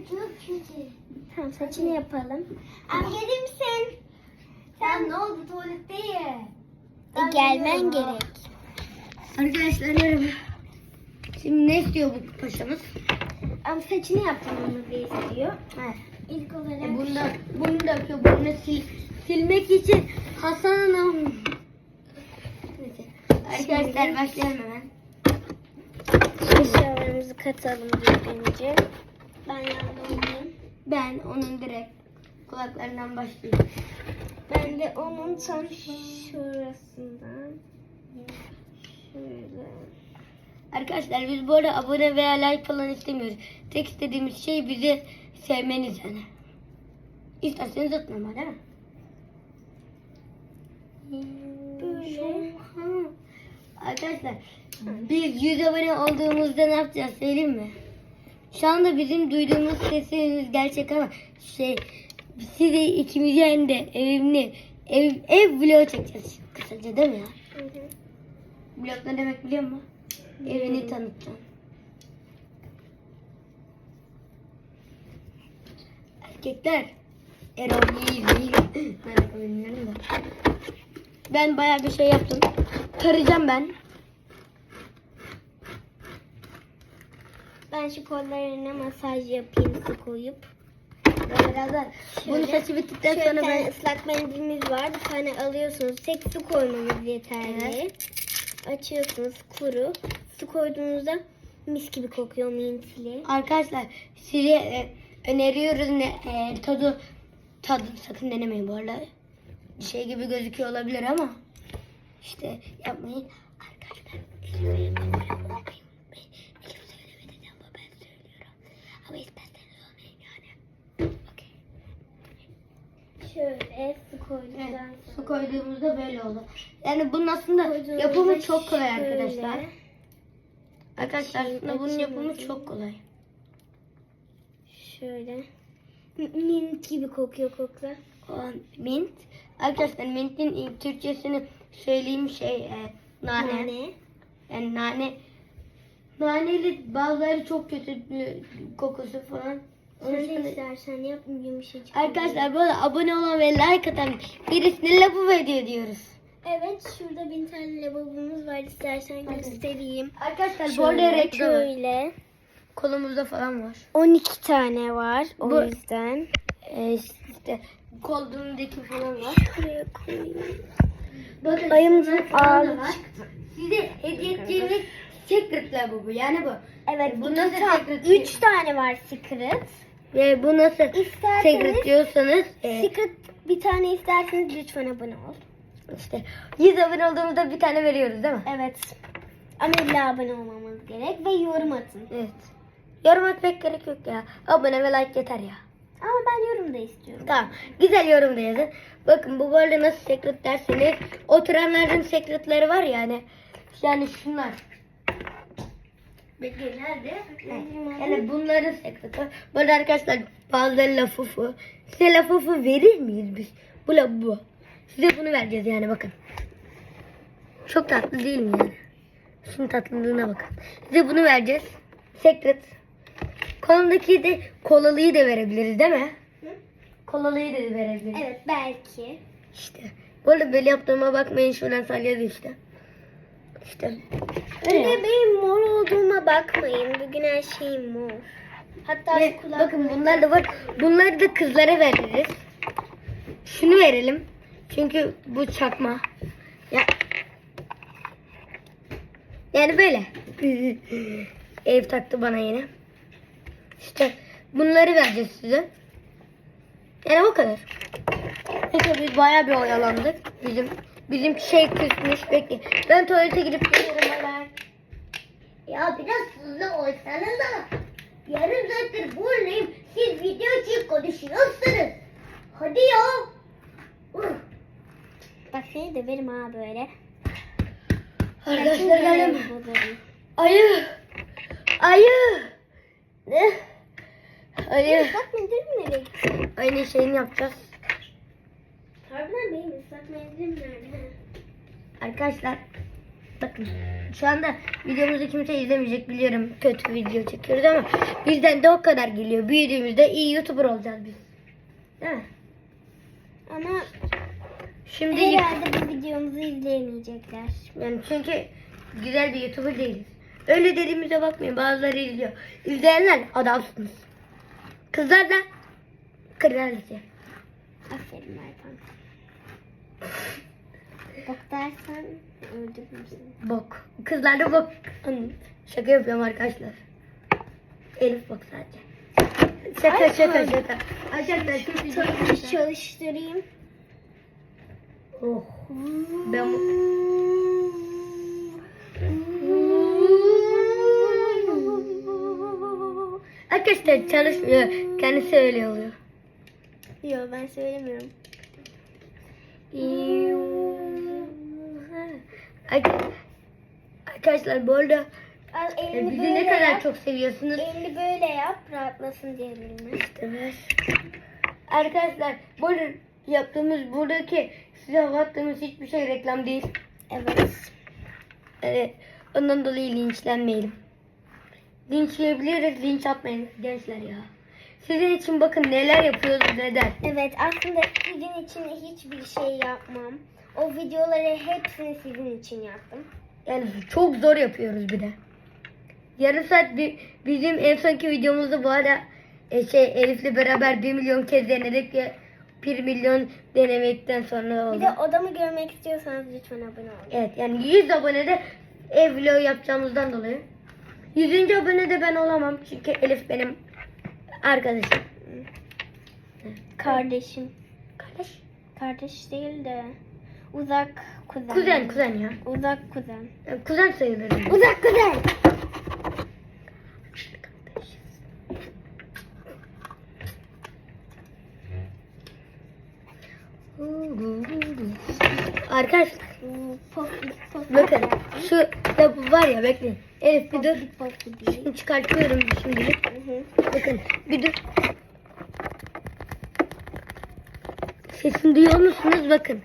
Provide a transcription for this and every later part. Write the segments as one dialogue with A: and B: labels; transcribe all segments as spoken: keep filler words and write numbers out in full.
A: Çok kötü.
B: Tamam saçını yapalım.
A: Abi gelir misin? Sen ne oldu tuvalette ye?
B: E, gelmen gerek.
C: Arkadaşlar merhaba. Şimdi ne istiyor bu paşamız?
B: Ama saçını yaptırmamızı istiyor.
C: Evet.
B: İlk olarak
C: E bunu da, bunu da yapıyor. Bunu sil, silmek için Hasan Hanım. Neyse. Arkadaşlar başlayalım hemen.
B: eşyalarımızı katalım düzgünce. Ben yardımcıyım.
C: Ben onun direkt kulaklarından başlıyorum.
B: Ben de onun tam şurasından. Şöyle.
C: Arkadaşlar biz bu arada abone veya like falan istemiyoruz. Tek istediğimiz şey bizi sevmeniz yani. İsterseniz atmam değil mi?
B: Böyle.
C: Ha. Arkadaşlar biz yüz abone olduğumuzda ne yapacağız söyleyeyim mi? Şu anda bizim duyduğumuz sesimiz gerçek ama şey size ikimizi hem de evimli ev, ev vlogu çekeceğiz kısaca değil mi ya?
B: Hı hı.
C: Vlog ne demek biliyor musun? Evini tanıtacağım. Erkekler Erol iyi değil. Ben bilmiyorum da. Ben bayağı bir şey yaptım. Tarayacağım ben.
B: Ben şu kollarına masaj yapayım su koyup.
C: Ben biraz da bunu
B: Şöyle.
C: saçı bittikten
B: Şöyle
C: sonra
B: bir tane
C: ben
B: ıslak mendilimiz var. Bir tane alıyorsunuz. Tek su koymanız yeterli.
C: Evet.
B: Açıyorsunuz kuru. Su koyduğunuzda mis gibi kokuyor mintili.
C: arkadaşlar size e, öneriyoruz ne e, tadı tadı sakın denemeyin bu arada. Şey gibi gözüküyor olabilir ama işte yapmayın. Arkadaşlar lütfen abone olmayın. Ben kim söylemedi ama ben söylüyorum. Ama isterseniz olmayın yani. Okey.
B: Şöyle su koyduktan
C: Evet,
B: sonra.
C: su koyduğumuzda böyle oldu. Yani bunun aslında
B: Koyduğumuzda
C: yapımı çok kolay
B: şöyle.
C: arkadaşlar. Arkadaşlar
B: Açayım,
C: aslında bunun
B: açayım,
C: yapımı
B: açayım.
C: çok kolay.
B: Şöyle. Mint gibi kokuyor kokla.
C: O mint. Arkadaşlar mintin ilk Türkçesini söyleyeyim şey e, nane.
B: Nane.
C: Yani nane. Naneli bazıları çok kötü bir kokusu falan.
B: Sen
C: Onun için-
B: de istersen yap yumuşacık.
C: Arkadaşlar bu arada abone olan ve like atan birisine lafı ediyor diyoruz.
B: Evet şurada bin tane lavabomuz var. İstersen göstereyim.
C: Arkadaşlar bu arada reklam var.
B: Şöyle.
C: Kolumuzda falan var.
B: on iki tane var. O
C: Bu-
B: yüzden.
C: Ee, işte kolduğundaki falan var.
B: Şuraya koyayım.
C: Bakın
B: Ayımızın
C: bunlar falan da
B: ağlı
C: var. Size hediye edeceğimiz secretler bu bu. Yani bu.
B: Evet
C: Bu
B: bu
C: nasıl
B: tam
C: secret?
B: üç tane var secret.
C: Ve bu nasıl
B: İsterseniz
C: secret diyorsanız e,
B: secret bir tane isterseniz lütfen abone ol.
C: işte yüz abone olduğumuzda bir tane veriyoruz değil mi?
B: Evet. Ama illa abone olmamız gerek ve yorum atın.
C: Evet. Yorum etmek gerek yok ya. Abone ve like yeter ya.
B: Ama ben yorum da istiyorum.
C: Tamam. Güzel yorum da yazın. Bakın bu böyle nasıl secret derseniz oturanların secretleri var ya hani. Yani şunlar. Bekleyin nerede? Yani bunların secreti. Böyle arkadaşlar bazıları lafufu. Size lafufu verir miyiz biz? Bu la bu. Size bunu vereceğiz yani bakın. Çok tatlı değil mi yani? Şunun tatlılığına bakın. Size bunu vereceğiz. Secret. Kolundaki de kolalıyı da verebiliriz değil mi?
B: Hı?
C: Kolalıyı da verebiliriz.
B: Evet belki.
C: İşte. Bu arada böyle yaptığıma bakmayın şuradan salyadı işte. İşte.
B: Bir de benim mor olduğuma bakmayın. Bugün her şeyim mor. Hatta
C: Ve
B: şu kulak...
C: bakın bunlar da var. Bunları da kızlara veririz. Şunu verelim. Çünkü bu çakma. Ya. Yani böyle. Ev taktı bana yine. İşte bunları vereceğiz size. Yani o kadar. Neyse biz bayağı bir oyalandık. Bizim bizim şey küsmüş. Bekle. Ben tuvalete gidip geliyorum. Bay bay.
A: Ya biraz hızlı olsanız da. Yarım saattir buradayım. Siz video için konuşuyorsunuz. Hadi ya. Uf.
B: Bak seni de verim ha böyle.
C: Arkadaşlar geldim.
B: Bozarım.
C: Ayı. Ayı. Ne? Ayı.
B: Islak mendil mi nereye gitti?
C: Aynı şeyini yapacağız.
B: Harbiden benim ıslak mendilim nerede?
C: Arkadaşlar Bakın şu anda videomuzu kimse izlemeyecek biliyorum. Kötü video çekiyoruz ama bizden de o kadar geliyor. Büyüdüğümüzde iyi YouTuber olacağız biz. Değil mi?
B: Ama
C: Şimdi
B: herhalde bu videomuzu izleyemeyecekler.
C: yani çünkü güzel bir YouTuber değiliz. Öyle dediğimize bakmayın. Bazıları izliyor. İzleyenler adamsınız. Kızlar da kraliçe.
B: Aferin Erkan. Bak dersen öldürürüm seni.
C: Bok. Kızlar da bok. Anladım. Şaka yapıyorum arkadaşlar. Elif bok sadece. Şaka
B: Ay,
C: şaka
B: ay.
C: şaka. Arkadaşlar çok
B: Bir
C: güzel.
B: çalıştırayım.
C: Oh. Ben bu... Arkadaşlar çalışmıyor. Kendisi öyle oluyor.
B: Yok ben söylemiyorum.
C: Arkadaşlar bu arada
B: Al
C: e,
B: elini
C: bizi
B: böyle
C: ne kadar
B: yap.
C: çok seviyorsunuz.
B: Elini böyle yap rahatlasın diye elini.
C: İşte ver. Arkadaşlar bu arada yaptığımız buradaki size hava attığımız hiçbir şey reklam değil.
B: Evet.
C: Evet. Ondan dolayı linçlenmeyelim. Linçleyebiliriz, linç atmayın gençler ya. Sizin için bakın neler yapıyoruz neden.
B: Evet aslında sizin için hiçbir şey yapmam. O videoları hepsini sizin için yaptım.
C: Yani çok zor yapıyoruz bir de. Yarım saat bir, bizim en sonki videomuzda bu arada e, şey Elif'le beraber bir milyon kez denedik ve bir milyon denemekten sonra oldu.
B: Bir de odamı görmek istiyorsanız lütfen abone olun.
C: Evet yani yüz abonede ev vlogu yapacağımızdan dolayı. yüzüncü abonede ben olamam çünkü Elif benim arkadaşım.
B: Kardeşim.
C: Kardeş?
B: Kardeş değil de uzak kuzen.
C: Kuzen kuzen ya.
B: Uzak kuzen.
C: Yani kuzen sayılırım.
B: Uzak kuzen.
C: Arkadaşlar
B: Pofik pofik.
C: bakın şu da var ya bekleyin. Elif bir dur.
B: Pofik pofik değil.
C: Şimdi çıkartıyorum şimdilik.
B: Hı hı.
C: Bakın bir dur. Sesini duyuyor musunuz? Bakın.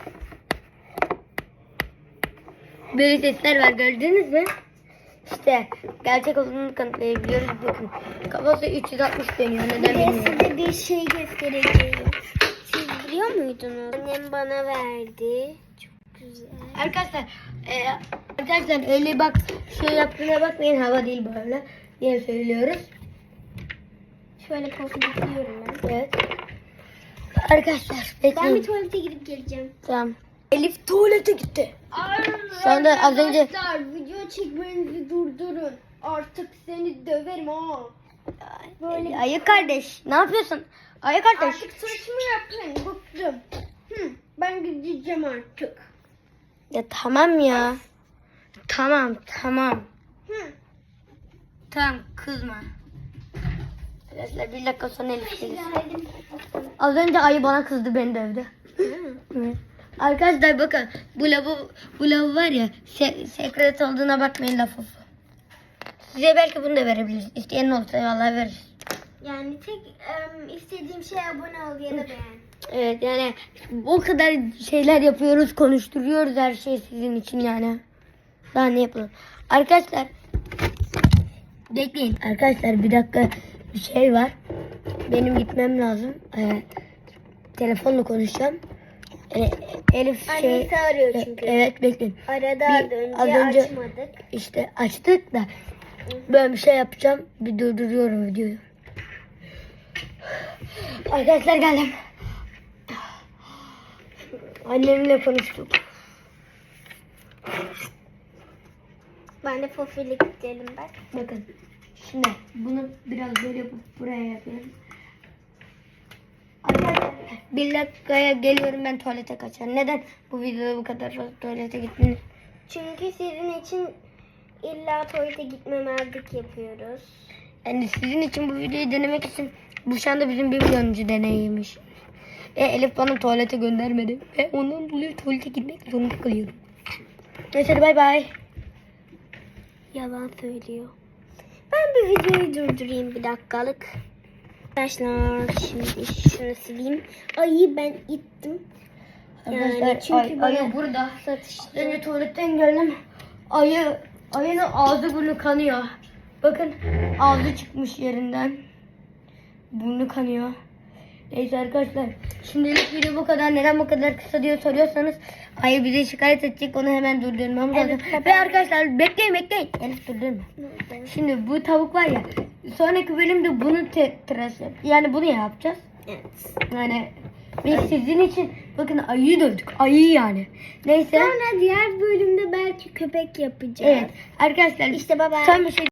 C: Böyle sesler var gördünüz mü? İşte gerçek olduğunu kanıtlayabiliyoruz. Bakın kafası üç yüz altmış dönüyor. Neden
B: Bir de
C: bilmiyorum.
B: size bir şey göstereceğim. Siz biliyor muydunuz? Annem bana verdi. Çok güzel.
C: Arkadaşlar e, arkadaşlar öyle bak şey yaptığına bakmayın, hava değil böyle diye söylüyoruz.
B: Şöyle pofidikliyorum ben.
C: Evet. Arkadaşlar
B: Ben
C: bekleyin.
B: bir tuvalete gidip geleceğim.
C: Tamam. Elif tuvalete gitti. Şu anda az önce
B: Arkadaşlar video çekmenizi durdurun. Artık seni döverim ha. Böyle
C: Ayı kardeş ne yapıyorsun? Ayı kardeş.
B: artık saçımı yapmayın. Bıktım. Hı, ben gideceğim artık.
C: Ya tamam ya. Tamam tamam.
B: Hı.
C: Tamam kızma. Arkadaşlar bir dakika sonra Elif gelir.
B: Geldim.
C: Az önce ayı bana kızdı, beni dövdü. Evet. Arkadaşlar bakın bu lavabo, bu lavabo var ya se sekret olduğuna bakmayın lafı. Size belki bunu da verebiliriz. İsteyen olursa vallahi veririz.
B: Yani tek em, istediğim şey abone ol ya da beğen.
C: Evet yani o kadar şeyler yapıyoruz, konuşturuyoruz her şey sizin için yani. Daha ne yapalım? Arkadaşlar bekleyin. Arkadaşlar bir dakika bir şey var. Benim gitmem lazım. Ee, telefonla konuşacağım. Ee, Elif şey...
B: Annesi arıyor çünkü.
C: Evet bekleyin.
B: Arada
C: Bir-
B: önce,
C: az önce-
B: açmadık.
C: İşte açtık da ben bir şey yapacağım. Bir durduruyorum videoyu. Arkadaşlar geldim. Annemle konuştuk.
B: Ben de fofilik gidelim bak.
C: Bakın. Şimdi bunu biraz böyle yapıp buraya yapıyorum. Arkadaşlar bir dakikaya geliyorum, ben tuvalete kaçarım. Neden bu videoda bu kadar fazla tuvalete gitmeniz?
B: Çünkü sizin için illa tuvalete gitmemezlik yapıyoruz.
C: Yani sizin için bu videoyu denemek için bu şu anda bizim bir milyonuncu deneyiymiş. E, Elif bana tuvalete göndermedi. Ve ondan dolayı tuvalete gitmek zorunda kalıyorum. Neyse hadi bay bay.
B: Yalan söylüyor. Ben bir videoyu durdurayım bir dakikalık. Arkadaşlar şimdi şunu sileyim. Ayı ben ittim. Yani
C: Arkadaşlar
B: çünkü
C: ay,
B: bana
C: ayı burada.
B: satıştı.
C: Az önce tuvaletten geldim. ayı ayının ağzı burnu kanıyor. Bakın ağzı çıkmış yerinden. Burnu kanıyor. Neyse arkadaşlar. Şimdilik video bu kadar. Neden bu kadar kısa diye soruyorsanız ayı bize şikayet edecek. Onu hemen durdurmamız
B: Evet,
C: lazım.
B: tabii.
C: Ve arkadaşlar bekleyin bekleyin. Elif durdurma. Şimdi bu tavuk var ya. Sonraki bölümde bunu te- tıraş yap- Yani bunu yapacağız.
B: Evet.
C: Yani biz sizin için bakın ayıyı dövdük. Ayı yani. Neyse.
B: Sonra diğer bölümde belki köpek yapacağız.
C: Evet. Arkadaşlar
B: İşte baba.
C: son bir şey